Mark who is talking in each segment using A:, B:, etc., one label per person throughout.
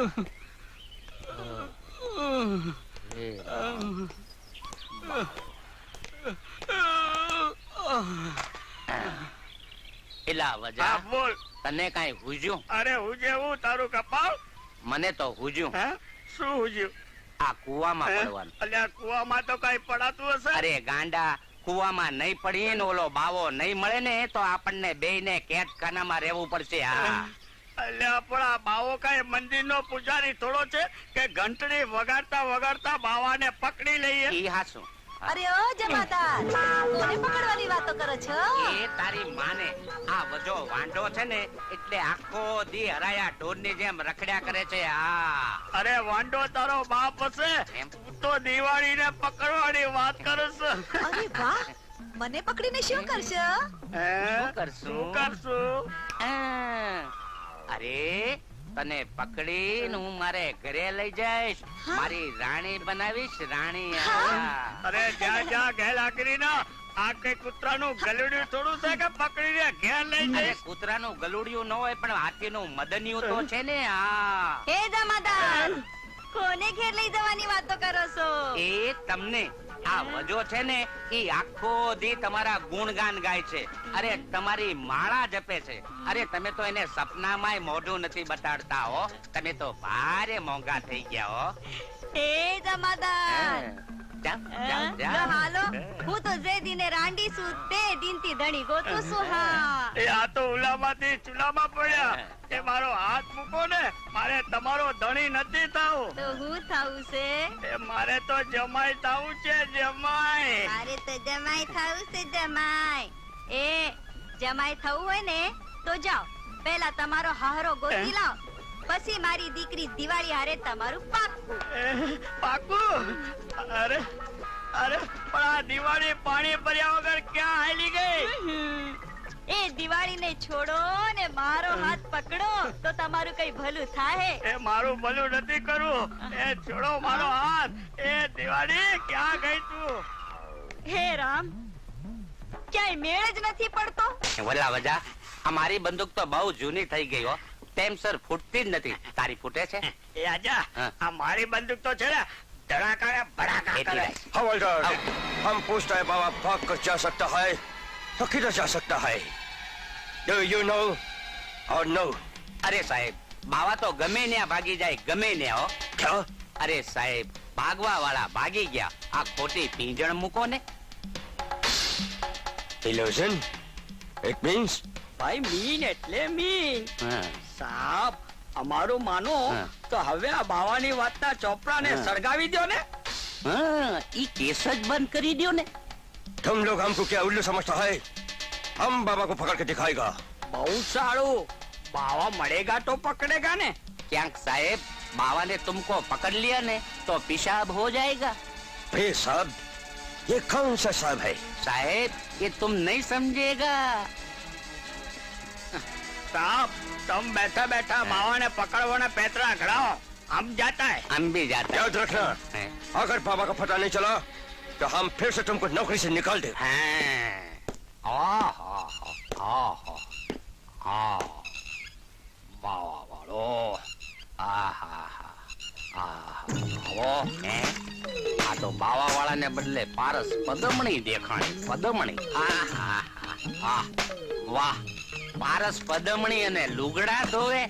A: એલા વજા બોલ, તને કઈ હુજ્યું? અરે હુજેવું તારું કપાળ? મને તો હુજ્યું. શું હુજ્યું? આ કુવામાં પડવાનું. અલ્યા કુવામાં તો કઈ પડાતું હશે? અરે ગાંડા, કુવામાં નહીં પડીએ ને ઓલો બાવો નહીં મળે ને તો આપણને બેયને કેદખાનામાં રહેવું પડશે. હા અલ્યા પણ આ બાવો કઈ મંદિરનો પૂજારી થોડો છે કે ઘંટડી વગાડતા વગાડતા બાવાને પકડી લઈએ? ઈ હાસું.
B: અરે ઓ જમાદાર, કોને પકડવાની વાતો કરો છો?
A: એ તારી માને. આ વજો વાંઢો છે ને એટલે આખો દી હરાયા ઢોરની જેમ રખડ્યા કરે છે. અરે વાંઢો તારો બાપ હશે, તું તો દિવાળીને પકડવાની વાત કરસ.
B: અરે વાહ, મને પકડીને શું કરશો?
A: શું કરશું? અરે તને પકડીને હું મારે ઘરે લઈ જઈશ, મારી રાણી બનાવીશ. રાણી. અરે જ્યાં જ્યાં ઘેલા કરીને આ કઈ કૂતરાનું ગલુડિયું થોડું છે કે પકડીને ઘેર લઈ જઈશ? કૂતરાનું ગલુડિયું ન હોય પણ હાથીનું મદનિયું તો છે ને.
B: હે જમાદાર, કોને ઘેર લઈ જવાની વાતો કરો છો?
A: એ તમને આ વજો છે ને ઈ આખો દી તમારા ગુણગાન ગાય છે. અરે તમારી માળા જપે છે. અરે તમે તો એને સપનામાંય મોઢું નથી બતાડતા હો. તમે તો ભારે મોંઘા થઈ ગયા હો.
B: હે જમાદાર, હાલો, હું તો જે દિને રાંડી છું તે દિનથી ધણી ગોતું છું. હા
A: એ આ તો ઉલામાંથી ચૂલામાં પડ્યા. એ મારો હાથ મૂકો ને, મારે તમારો ધણી નથી થાવું.
B: તો હું થાવું છે?
A: એ મારે તો જમાઈ થાવું છે. જમાઈ.
B: મારે તો જમાઈ થાવું છે. જમાઈ. એ જમાઈ થવું હોય ને તો જાઓ, પહેલા તમારો હારો ગોતી લાવ, પછી મારી દીકરી દિવાળી હારે તમારું પાક્કું.
A: પાક્કું? અરે અરે પણ આ દિવાળી પાણી ભર્યા વગર ક્યાં હાલી ગઈ?
B: એ દિવાળી ને છોડો ને મારો હાથ પકડો તો તમારું કઈ ભલું થાય.
A: એ મારું ભલું નથી કરવું. એ છોડો મારો હાથ. એ દિવાળી ક્યાં ગઈ તું?
B: હે રામ, ક્યાંય મેળ જ નથી પડતો.
A: વલા વજા, આ મારી બંદૂક તો બહુ જૂની થઈ ગઈ હો, ટાઈમસર ફૂટતી જ નથી. તારી ફૂટે છે? એ આજા, આ મારી બંદૂક તો છે ને ધડાકા ને ભડાકા કરે.
C: हवलदार, हम पूछते हैं बाबा भाग कर जा सकता है तो किधर जा सकता है? Do you know or no?
A: અરે સાહેબ, બાવા તો ગમે ને ભાગી જાય, ગમે ને. હો
C: क्या?
A: અરે સાહેબ, ભાગવા વાળા ભાગી ગયા, આ ખોટી પીંજણ મૂકો ને.
C: Illusion? It means?
D: ભાઈ મીન એટલે મીન. સાહેબ, અમારું માનો તો હવે આ બાવાની વાતના ચોપડાને સળગાવી દો ને.
A: ઈ કેસ જ બંધ કરી દો ને.
C: तुम लोग हमको क्या उल्लू समझता है? हम बाबा को पकड़ के दिखाएगा.
D: બહુ સારું, બાવા મળેગા તો પકડેગા ને.
A: ક્યાંક સાહેબ બાવાને તુમકો પકડ लिया ने तो पेशाब हो जाएगा.
C: अरे साहब, ये कौन सा साहब है?
A: साहेब, ये तुम नहीं समझेगा.
D: સાહેબ, तुम बैठा बैठा બાવાને પકડવાના પેતરા ઘડાઓ. हम जाता है.
A: हम भी जाते हैं.
C: याद रखना, अगर बाबा का पता नहीं चला तो हम फिर से तुमको नौकरी से निकाल दे.
A: બાવા વાળો, આ તો બાવા વાળાને બદલે પારસ પદમણી દેખાણી. પદમણી, વાહ, પારસ પદમણી અને લુગડા ધોવે.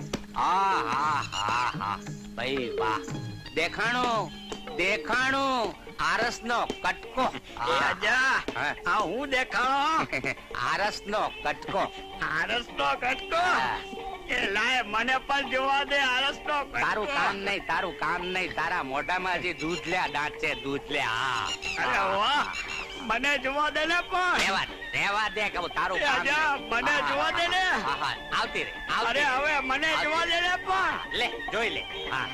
A: ભાઈ વાહ, દેખાણું દેખાણું. આરસ નો કટકો.
D: આ હું દેખાણો?
A: આરસ નો કટકો.
D: આરસ નો કટકો? એ લાય, મને પણ જોવા દે આરસ નો કટકો.
A: તારું કામ નહીં, તારું કામ નહીં. તારા મોઢામાં હજી દૂધ લ્યા દાંત છે, દૂધ લે.
D: અરે વાહ, મને જોવા દે ને. પણ
A: રેવા દે કે તારું કામ.
D: મને જોવા દે ને.
A: આવતી રે.
D: અરે હવે મને જોવા દે ને. પણ
A: લે, જોઈ લે.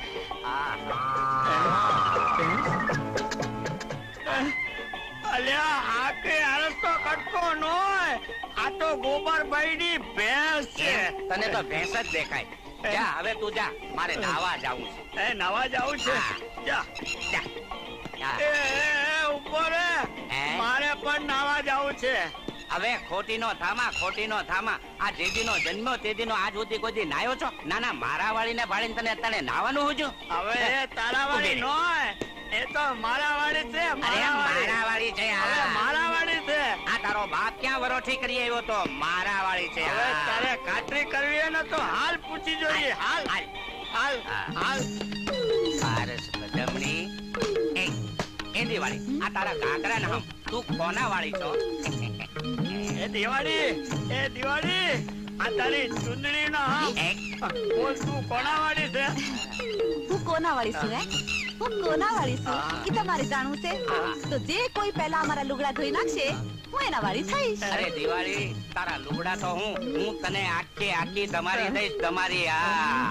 D: અલ્યા, આ કે આરસ નો કટકો નો હોય, આ તો ગોબરભાઈ ની ભેંસ છે.
A: તને તો ભેંસ જ દેખાય. જા હવે તું જા, મારે નાવા જાવું છે.
D: એ નાવા જાવું છે? જા જા. ઉપર મારે પણ નાવા જાવું છે.
A: હવે ખોટી નો થામા આ જેદીનો જન્મ તેદીનો આજ સુધી કોઈ દી નાયો છો? ના ના, મારા વાળીને ભાળીને તને અત્યારે નાવાનું હુજુ?
D: હવે એ તારા વાળી નો એ તો મારા વાળી છે.
A: અરે મારા વાળી છે
D: હવે મારા વાળી છે.
A: આ તારો બાપ ક્યાં વરોઠી કરી આવ્યો તો? મારા વાળી છે.
D: હવે તારે ખાતરી કરવી હોય ને તો હાલ પૂછી જોઈએ. હાલ હાલ હાલ
A: પારસ બદમણી એ દિવાળી, આ તારા કાકરા ને હમ તું કોના વાળી છો?
D: એ દિવાળી આ તારી ચુંદડી નો બોલ, તું કોના વાળી છે?
B: હું કોના વાળી છું? હું કોના વાળી છું એ તમારે જાણવું છે? તો જે કોઈ પહેલા અમારા લુગડા ધોઈ નાખશે હું એના વાળી થઈશ.
A: અરે દિવાળી, તારા લુગડા તો હું તને આખી તમારી દઈશ. તમારી આ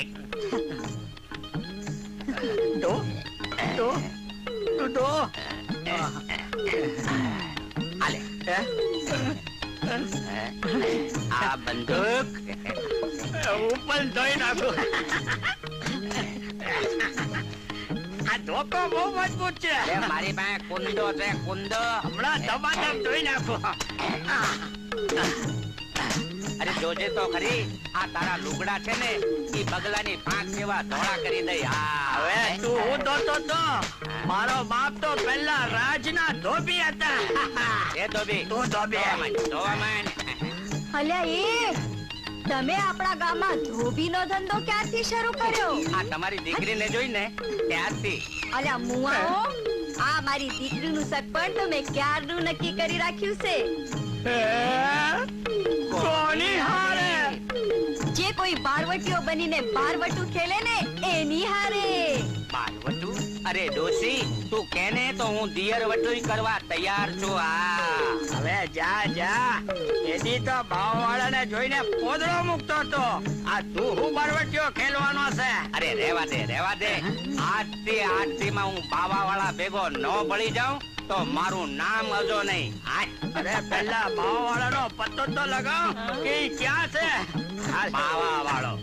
A: હાલે આ બંદૂક
D: હું પણ ધોઈ નાખું. આ ધોકો બહુ મજબૂત છે.
A: અરે મારી પાસે કુંદો છે, કુંદો.
D: હમણાં દબાદબ ધોઈ નાખું.
A: અરે જોજે તો ખરી, આ તારા લુગડા છે ને એ બગલાની પાંખ જેવા ધોળા કરી દઈ.
D: હવે તું હું ધોતો તો મારો બાપ તો પહેલા રાજના ધોબી હતા.
A: એ ધોબી,
D: તું ધોબી.
A: ધોવા માંડ.
B: અલ્યા એ તમે આપણા ગામમાં ધોબીનો ધંધો ક્યારથી શરૂ કર્યો?
A: આ તમારી દીકરીને જોઈને ત્યારથી.
B: અલ્યા મુઆઓ, આ મારી દીકરીનું સગપણ તમે ક્યારનું નક્કી કરી રાખ્યું છે?
D: કોની હારે?
B: જે કોઈ બારવટીઓ બનીને બારવટું ખેલે ને એની હારે.
A: બારવટું? અરે ડોસી, તું કેને તો હું દિયર વટુઈ કરવા તૈયાર છું.
D: હવે જા એની તો ભાવવાળાને જોઈને પોદળો મૂકતો તો. આ તું હું બરવટીઓ ખેલવાનો છે?
A: અરે રેવા દે. આજથી માં હું બાવાવાળા ભેગો ન ભળી જાઉં તો મારું નામ અજો નહીં.
D: અરે પેલા ભાવવાળાનો પત્તો તો લગાવ કે ઈ ક્યાં છે?
A: બાવાવાળો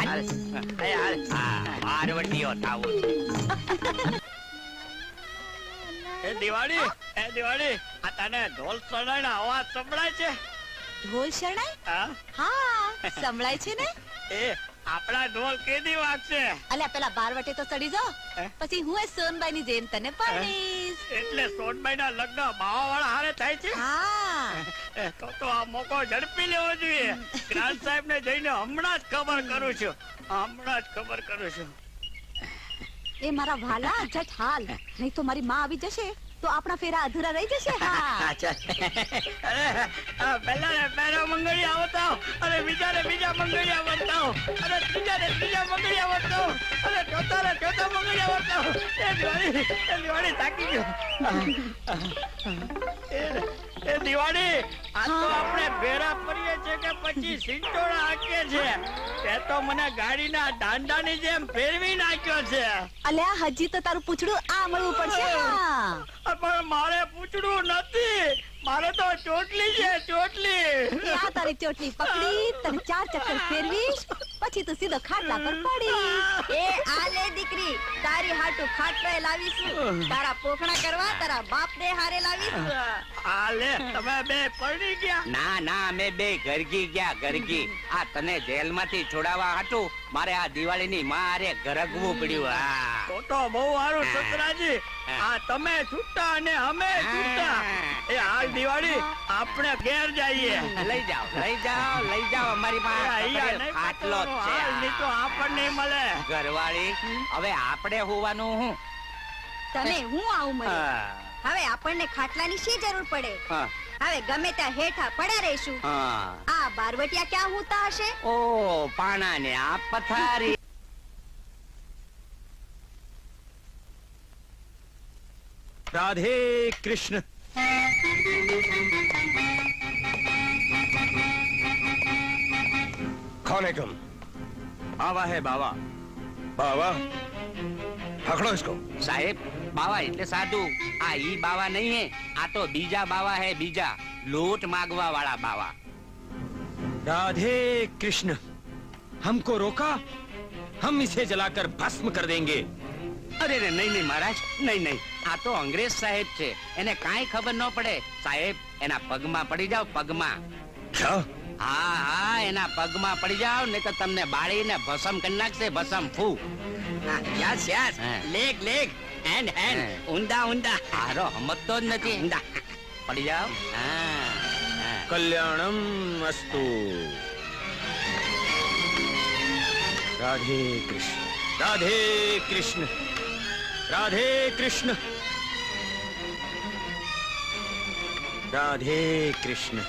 A: બારવટીઓ થાવું છે.
D: એ દિવાળી આ તને ઢોલ સડાઈના અવાજ સંભળાય છે?
B: ઢોલ શરણાઈ?
D: હા
B: હા, સંભળાય છે ને.
D: એ આપણા ઢોલ કેદી વાગશે?
B: અલ્યા પેલા બારવટે તો ચડી જાઓ, પછી હું સોનબાઈ ની જેમ તને પરણીશ.
D: એટલે સોનબાઈ ના લગ્ન બાવાવાળા હારે થાય છે?
B: હા.
D: તો આ મોકો ઝડપી લેવો જોઈએ. ગ્રાન્ડ સાહેબ ને જઈને હમણાં જ ખબર કરું છું.
B: એ મારા વાલા જટ હાલ, નહીં તો મારી માં આવી જશે તો આપણા ફેરા અધૂરા રહી જશે. હા.
D: પહેલા મંગળિયા બતાવો, અને બીજા મંગળિયા બતાવો, અને ત્રીજા મંગળિયા બતાવો, અને ચોથા મંગળિયા બતાવો. એ દિવાળી થાકી ગયો. એ દિવાળી, આ તો આપણે ભેરા ફરીએ છે કે પછી સિંટોડા હાંકીએ છે? તે તો મને ગાડીના દાંડાની જેમ ફેરવી નાખ્યો છે.
B: અલ્યા હજી તો તારું પૂછડું આ મળવું પડશે. હા.
D: પણ મારે પૂછડું નથી, મારે તો ચોટલી છે, ચોટલી.
B: એ આ તારી ચોટલી પકડી તને 4 ચક્કર ફેરવીશ, પછી તું સીધો ખાટલા પર પડી. એ આ લે દીકરી, તારી હાટુ ખાટલો લાવીશું, તારા પોખણા કરવા તારા બાપ ને હારે લાવીશું.
D: આ લે, તમે બે પરણી ગયા?
A: ના અમે બે ગરગી ગયા, ગરગી. આ તને જેલમાંથી છોડાવવા હતું મારે આ દિવાળીની માં હારે ગરગવું પડ્યું.
D: તો બહુ સારું સસરાજી. આ તમે છૂટા અને અમે છૂટા. એ હાલ દિવાળી, આપણે ઘેર જઈએ.
A: લઈ જાઓ અમારી પાસે આટલો જ છે.
D: તો આપણને મળે.
A: ઘરવાળી, હવે આપણે હોવાનું હું?
B: તને હું આવું મળે? હવે આપણને ખાટલાની શી જરૂર પડે? હવે ગમે ત્યાં હેઠા પડ્યા રહીશું. આ બારવટિયા ક્યાં હોતા હશે?
A: ઓ પાણા ને આ પથારી.
E: राधे कृष्ण।
C: कौन है तुम?
E: बावा है बावा।
C: बावा? पकड़ो इसको।
A: साहेब, बावा એટલે સાધુ. આ ઈ બાવા નહીં હે, આ તો બીજા બાવા હે, બીજા લોટ માગવા વાળા બાવા.
E: राधे कृष्ण। हमको रोका, हम इसे जलाकर भस्म कर देंगे।
A: અરે રે નહીં નહીં મહારાજ, નહીં નહીં, આ તો અંગ્રેજ સાહેબ છે, એને કાંઈ ખબર ન પડે. સાહેબ એના પગમાં પડી જાઓ, પગમાં.
C: क्या
A: હા હા, એના પગમાં પડી જાઓ, નહીં તો તમને બાળીને ભસમ કરી નાખશે, ભસમ. ફૂ.
D: યસ યસ,
A: હા.
D: લેગ લેગ, હેન્ડ હેન્ડ,
A: હા.
D: ઊંડા ઊંડા.
A: હારો સમજતો જ નથી.
D: ઊંડા.
A: પડી જાઓ. હા હા.
E: कल्याणम अस्तु. राधे कृष्ण, राधे कृष्ण, राधे कृष्ण, राधे कृष्ण.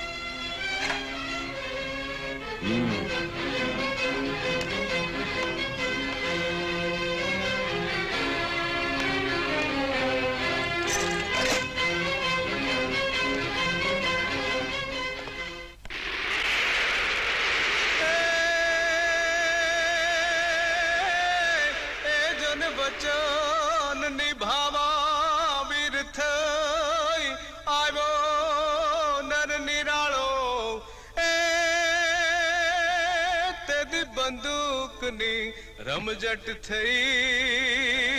F: જન વચન નિભાવા વીર થઈ આવ્યો નર નિરાળો એ તેદી બંદૂકની રમઝટ થઈ